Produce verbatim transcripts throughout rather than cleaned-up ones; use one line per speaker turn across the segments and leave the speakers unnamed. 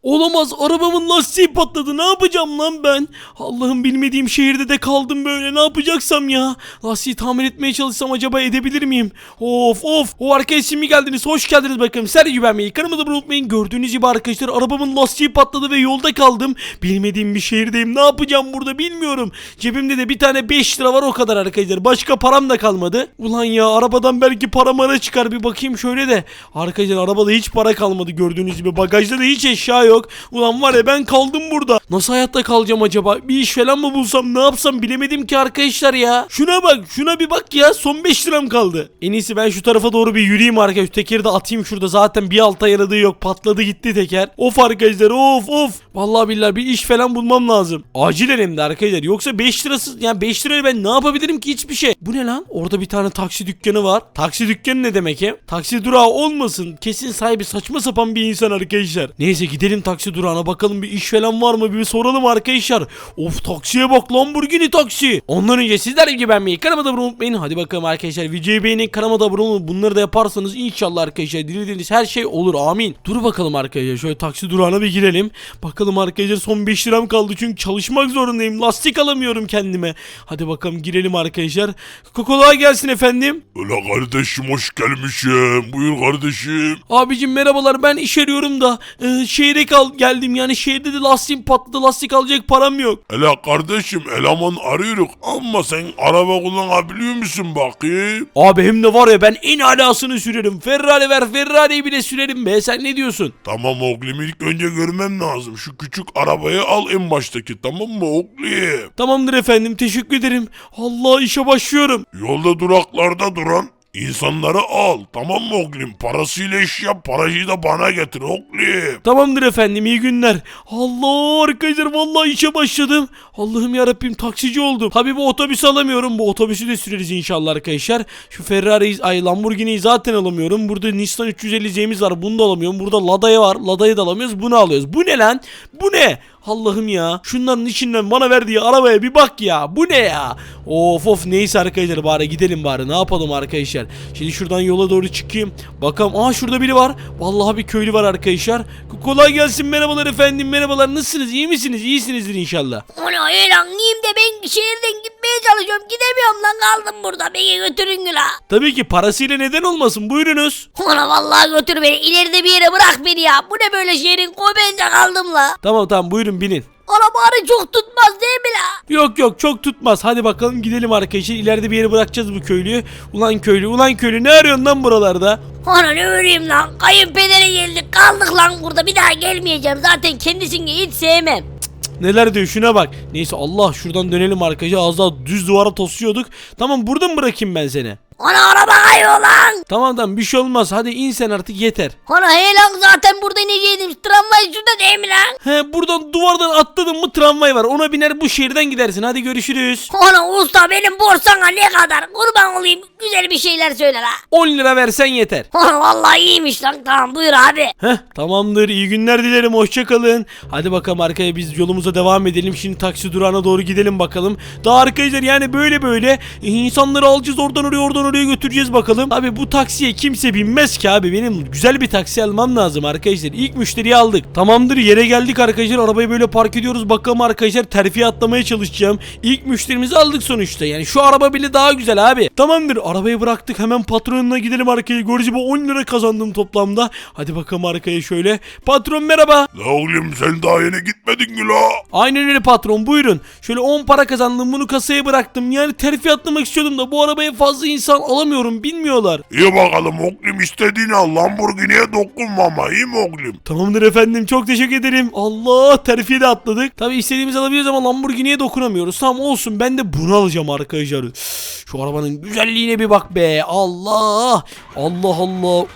Olamaz, arabamın lastiği patladı, ne yapacağım lan ben? Allah'ım, bilmediğim şehirde de kaldım böyle, ne yapacaksam ya? Lastiği tamir etmeye çalışsam acaba edebilir miyim? Of of, o arkadaş şimdi geldiniz, hoş geldiniz bakalım. Sergi beğenmeyi, kanalıma da unutmayın. Gördüğünüz gibi arkadaşlar, arabamın lastiği patladı ve yolda kaldım. Bilmediğim bir şehirdeyim, ne yapacağım burada bilmiyorum. Cebimde de bir tane beş lira var, o kadar arkadaşlar, başka param da kalmadı. Ulan ya, arabadan belki para mara çıkar, bir bakayım şöyle de. Arkadaşlar arabada hiç para kalmadı gördüğünüz gibi, bagajda da hiç eşya yok. Ulan var ya, ben kaldım burada. Nasıl hayatta kalacağım acaba? Bir iş falan mı bulsam, ne yapsam bilemedim ki arkadaşlar ya. Şuna bak, şuna bir bak ya, son beş liram kaldı. En iyisi ben şu tarafa doğru bir yürüyeyim arkadaşlar. Tekeri de atayım şurada, zaten bir alta yaradığı yok, patladı gitti teker. Of arkadaşlar, of of. Vallahi billahi bir iş falan bulmam lazım. Acilen hem de arkadaşlar, yoksa beş lirasız, yani beş liraya ben ne yapabilirim ki, hiçbir şey. Bu ne lan? Orada bir tane taksi dükkanı var. Taksi dükkanı ne demek he? Taksi durağı olmasın. Kesin sahibi saçma sapan bir insan arkadaşlar. Neyse, gidelim taksi durağına, bakalım bir iş falan var mı, bir soralım arkadaşlar. Of, taksiye bak, Lamborghini taksi. Ondan önce sizler gibi beğenmeyi, kanalıma da abone olmayı unutmayın. Hadi bakalım arkadaşlar, videoyu beğenin, kanalıma da abone olun. Bunları da yaparsanız inşallah arkadaşlar dilediğiniz her şey olur, amin. Dur bakalım arkadaşlar, şöyle taksi durağına bir girelim. Bakalım arkadaşlar, son beş liram kaldı çünkü çalışmak zorundayım, lastik alamıyorum kendime. Hadi bakalım, girelim arkadaşlar. Kolay gelsin efendim.
Öyle kardeşim, hoş gelmişim. Buyur kardeşim.
Abicim merhabalar, ben iş arıyorum da e, şehre kal geldim, yani şehirde de lastiğim patladı, lastik alacak param yok.
Hele kardeşim, eleman arıyoruz ama sen araba kullanabiliyor musun bakayım?
Abi hem de var ya, ben en alasını sürerim. Ferrari ver, Ferrari'yi bile sürerim be, sen ne diyorsun?
Tamam oğlum, ilk önce görmem lazım. Şu küçük arabayı al, en baştaki, tamam mı oğlum?
Tamamdır efendim, teşekkür ederim. Allah, işe başlıyorum.
Yolda duraklarda duran insanları al, tamam mı oğlum? Parasıyla iş yap, parayı da bana getir oğlum.
Tamamdır efendim, iyi günler. Allah arkadaşlar, vallahi işe başladım. Allah'ım yarabbim, taksici oldum. Tabii bu otobüsü alamıyorum, bu otobüsü de süreriz inşallah arkadaşlar. Şu Ferrari'yi, ay Lamborghini'yi zaten alamıyorum. Burada Nissan üç yüz elli Z'miz var, bunu da alamıyorum. Burada Lada'yı var, Lada'yı da alamıyoruz, bunu alıyoruz. Bu ne lan? Bu ne? Allah'ım ya, şunların içinden bana verdiği arabaya bir bak ya, bu ne ya? Of of, neyse arkadaşlar, bari gidelim bari, ne yapalım arkadaşlar. Şimdi şuradan yola doğru çıkayım, bakalım. Aa, şurada biri var, vallahi bir köylü var arkadaşlar. Kolay gelsin, merhabalar efendim, merhabalar, nasılsınız, iyi misiniz? İyisinizdir inşallah.
Ona lan, iyiyim de ben şehirden gitmeye çalışıyorum, gidemiyorum lan, kaldım burada, beni götürün la.
Tabii ki, parasıyla neden olmasın, buyurunuz.
Ona vallahi götür beni, ileride bir yere bırak beni ya, bu ne böyle, şehrin koymayınca kaldım la.
Tamam tamam, buyurun binin.
Arabanı çok tutmaz değil mi la?
Yok yok, çok tutmaz, hadi bakalım gidelim arkadaşlar, ileride bir yere bırakacağız bu köylüyü. Ulan köylü, ulan köylü, ne arıyorsun lan buralarda?
Ana ne öleyim lan, kayınpedere geldik, kaldık lan burada, bir daha gelmeyeceğim, zaten kendisini hiç sevmem.
Neler diyor, şuna bak. Neyse, Allah, şuradan dönelim arkadaşlar, az daha düz duvara tosuyorduk. Tamam, burada mı bırakayım ben seni?
Ana araba kayıyor lan.
Tamam tamam, bir şey olmaz, hadi in sen artık, yeter.
Ana he lan, zaten burada ineceydim, tramvay şurada değil mi lan?
He, buradan duvardan atladın mı tramvay var, ona biner bu şehirden gidersin, hadi görüşürüz.
Ana usta, benim borsana ne kadar, kurban olayım, güzel bir şeyler söyle la.
on lira versen yeter.
Ana vallahi iyiymiş lan, tamam buyur abi.
Heh, tamamdır, iyi günler dilerim, hoşça kalın. Hadi bakalım arkaya, biz yolumuza devam edelim. Şimdi taksi durağına doğru gidelim bakalım. Daha arkadaşlar, yani böyle böyle insanları alacağız, oradan oraya oradan oraya götüreceğiz bakalım. Abi bu taksiye kimse binmez ki abi, benim güzel bir taksi almam lazım arkadaşlar. İlk müşteriyi aldık, tamamdır, yere geldik arkadaşlar, arabayı böyle park ediyoruz. Bakalım arkadaşlar, terfi atlamaya çalışacağım. İlk müşterimizi aldık sonuçta, yani şu araba bile daha güzel abi. Tamamdır, arabayı bıraktık, hemen patronuna gidelim arkaya. Görücü bu on lira kazandım toplamda. Hadi bakalım arkaya şöyle. Patron merhaba.
La oğlum, sen daha yeni gitmedin mi la?
Aynen öyle patron, buyurun. Şöyle on para kazandım, bunu kasaya bıraktım. Yani terfi atlamak istiyordum da bu arabaya fazla insan alamıyorum, bilmiyorlar.
İyi bakalım oğlum, istediğini al, Lamborghini'ye dokunma ama, iyi mi oğlum?
Tamamdır efendim, çok teşekkür ederim. Allah, terfiye de atladık. Tabi istediğimizi alabiliyoruz ama Lamborghini'ye dokunamıyoruz. Tamam olsun, ben de bunu alacağım arkadaşlar. Şu arabanın güzelliğine bir bak be. Allah Allah Allah.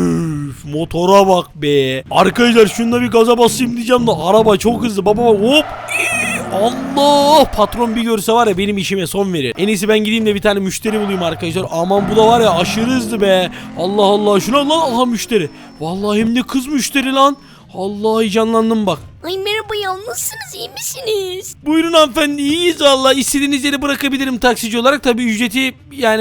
Üf, motora bak be. Arkadaşlar şunda bir gaza basayım diyeceğim de araba çok hızlı. Baba hop. Allah, patron bir görse var ya, benim işime son verir. En iyisi ben gideyim de bir tane müşteri bulayım arkadaşlar. Aman bu da var ya, aşırı hızlı be. Allah Allah, şuna lan, aha müşteri. Vallahi hem de kız müşteri lan. Allah, heyecanlandım bak.
Ay merhaba ya, nasılsınız, iyi misiniz?
Buyurun hanımefendi, iyiyiz valla. İstediğiniz yere bırakabilirim taksici olarak. Tabi ücreti yani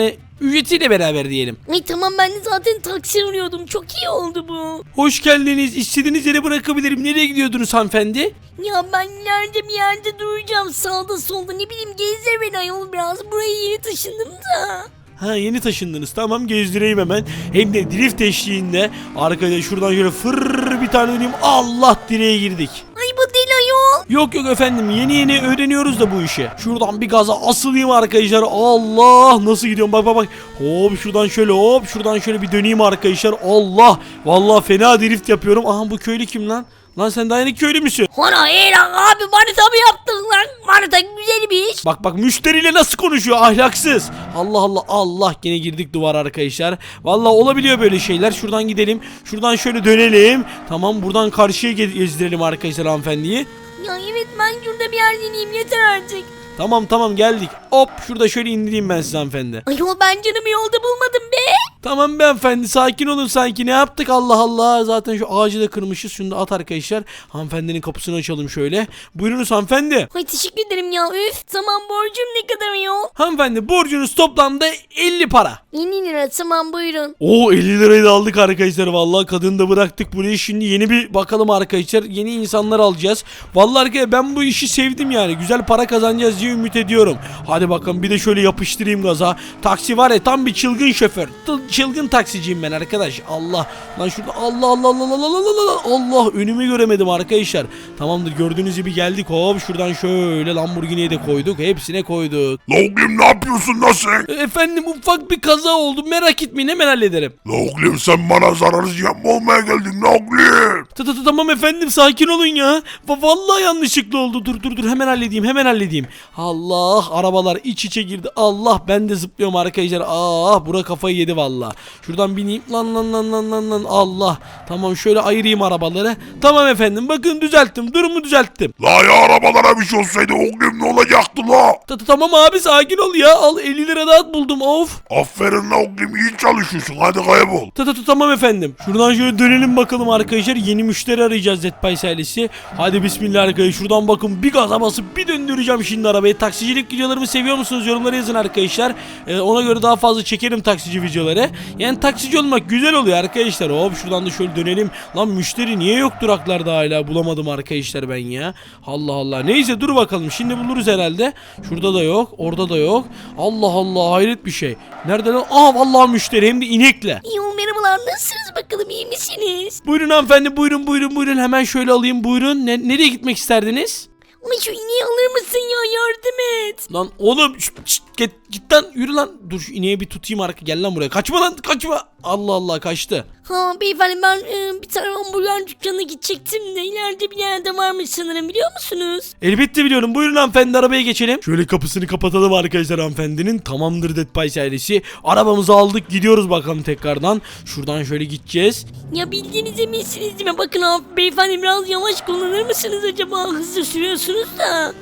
ücretiyle beraber diyelim.
Ay tamam ben de zaten taksi arıyordum. Çok iyi oldu bu.
Hoş geldiniz. İstediğiniz yere bırakabilirim. Nereye gidiyordunuz hanımefendi?
Ya ben nerede bir yerde duracağım. Sağda solda ne bileyim gezdir beni ayol biraz. Buraya yeni taşındım da.
Ha yeni taşındınız. Tamam gezdireyim hemen. Hem de drift eşliğinde. Arkadaşlar şuradan şöyle fırr bir tane döneyim. Allah direğe girdik.
Ay bu değil ayol.
Yok yok efendim yeni yeni öğreniyoruz da bu işi. Şuradan bir gaza asılayım arkadaşlar. Allah nasıl gidiyorum bak bak bak. Hop şuradan şöyle hop şuradan şöyle bir döneyim arkadaşlar. Allah vallahi fena drift yapıyorum. Aha bu köylü kim lan? Lan sen daha yeni köylü müsün?
Hana iyi lan abi manita mı yaptın lan? Manita güzel bir iş.
Bak bak müşteriyle nasıl konuşuyor ahlaksız. Allah Allah Allah gene girdik duvar arkadaşlar. Vallahi olabiliyor böyle şeyler. Şuradan gidelim. Şuradan şöyle dönelim. Tamam buradan karşıya ge- gezdirelim arkadaşlar hanımefendiyi.
Ya evet ben şurada bir yer deneyeyim yeter artık.
Tamam tamam geldik. Hop şurada şöyle indireyim ben size hanımefendi.
Ayol ben canımı yolda bulmadım be.
Tamam beyefendi sakin olun sanki ne yaptık Allah Allah. Zaten şu ağacı da kırmışız. Şunu da at arkadaşlar. Hanımefendinin kapısını açalım şöyle. Buyurunuz hanımefendi.
Ay teşekkür ederim ya üf. Tamam borcum ne kadar ayol?
Hanımefendi borcunuz toplamda elli para.
yirmi lira tamam buyurun.
Oo elli lirayı da aldık arkadaşlar. Vallahi kadını da bıraktık buraya. Şimdi yeni bir bakalım arkadaşlar. Yeni insanlar alacağız. Vallahi arkadaşlar ben bu işi sevdim yani. Güzel para kazanacağız diye ümit ediyorum. Hadi bakalım bir de şöyle yapıştırayım gaza. Taksi var ya tam bir çılgın şoför. T- Çılgın taksiciyim ben arkadaş. Allah. Lan şurada Allah Allah Allah Allah Allah Allah Allah Allah önümü göremedim arkadaşlar. Tamamdır gördüğünüz gibi geldik. Hop şuradan şöyle Lamborghini'ye de koyduk. Hepsine koyduk.
La oğlum ne yapıyorsun lan sen?
Efendim ufak bir kaza oldu. Merak etmeyin hemen hallederim.
La oğlum sen bana zararı yapma olmaya geldin la oğlum.
Ta ta ta tamam efendim sakin olun ya. Va- Vallahi yanlışlıkla oldu. Dur dur dur hemen halledeyim hemen halledeyim. Allah arabalar iç içe girdi. Allah ben de zıplıyorum arkadaşlar. Ah bura kafayı yedi vallahi. Şuradan bineyim lan lan lan lan lan lan. Allah. Tamam şöyle ayırayım arabaları. Tamam efendim bakın düzelttim. Durumu düzelttim.
La ya arabalara bir şey olsaydı oğlum ne olacaktı la?
Ta ta tamam abi sakin ol ya. Al elli lira daha buldum of.
Aferin la oğlum iyi çalışıyorsun hadi kaybol.
Ta ta ta tamam efendim. Şuradan şöyle dönelim bakalım arkadaşlar. Yeni müşteri arayacağız Zetpay ailesi. Hadi bismillah arkadaşlar. Şuradan bakın bir gaza basıp bir döndüreceğim şimdi arabayı. Taksicilik videolarımı seviyor musunuz? Yorumlara yazın arkadaşlar. Ee, ona göre daha fazla çekerim taksici videoları. Yani taksici olmak güzel oluyor arkadaşlar. Hop şuradan da şöyle dönelim. Lan müşteri niye yok duraklarda hala? Bulamadım arkadaşlar ben ya. Allah Allah. Neyse dur bakalım. Şimdi buluruz herhalde. Şurada da yok. Orada da yok. Allah Allah hayret bir şey. Nerede lan? Aa vallahi müşteri hem de inekle.
Ayol merhabalar nasılsınız bakalım iyi misiniz?
Buyurun hanımefendi buyurun buyurun buyurun. Hemen şöyle alayım buyurun. Ne, nereye gitmek isterdiniz?
Ay şu ineği alır mısın ya yardım et.
Lan oğlum şşt, şşt, git, git lan yürü lan. Dur şu ineği bir tutayım arka gel lan buraya. Kaçma lan kaçma. Allah Allah kaçtı.
Ha beyefendi ben e, bir tane hamburger dükkanına gidecektim de ileride bir yerde varmış sanırım biliyor musunuz?
Elbette biliyorum. Buyurun hanımefendi arabaya geçelim. Şöyle kapısını kapatalım arkadaşlar hanımefendinin. Tamamdır Dead Pies ailesi. Arabamızı aldık gidiyoruz bakalım tekrardan. Şuradan şöyle gideceğiz.
Ya bildiğiniz eminsiniz değil mi? Bakın abi beyefendi biraz yavaş kullanır mısınız acaba? Hızlı sürüyorsunuz da.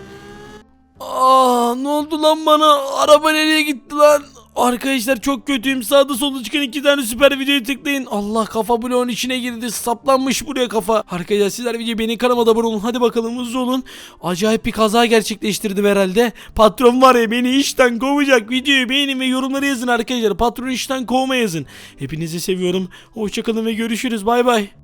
Aa ne oldu lan bana? Araba nereye gitti lan? Arkadaşlar çok kötüyüm. Sağda solda çıkan iki tane süper videoyu tıklayın. Allah kafa bloğun içine girdi. Saplanmış buraya kafa. Arkadaşlar sizler video beni kanalıma abone olun. Hadi bakalım hızlı olun. Acayip bir kaza gerçekleştirdim herhalde. Patron var ya beni işten kovacak. Videoyu beğenin ve yorumlara yazın arkadaşlar. Patron işten kovma yazın. Hepinizi seviyorum. Hoşçakalın ve görüşürüz. Bay bay.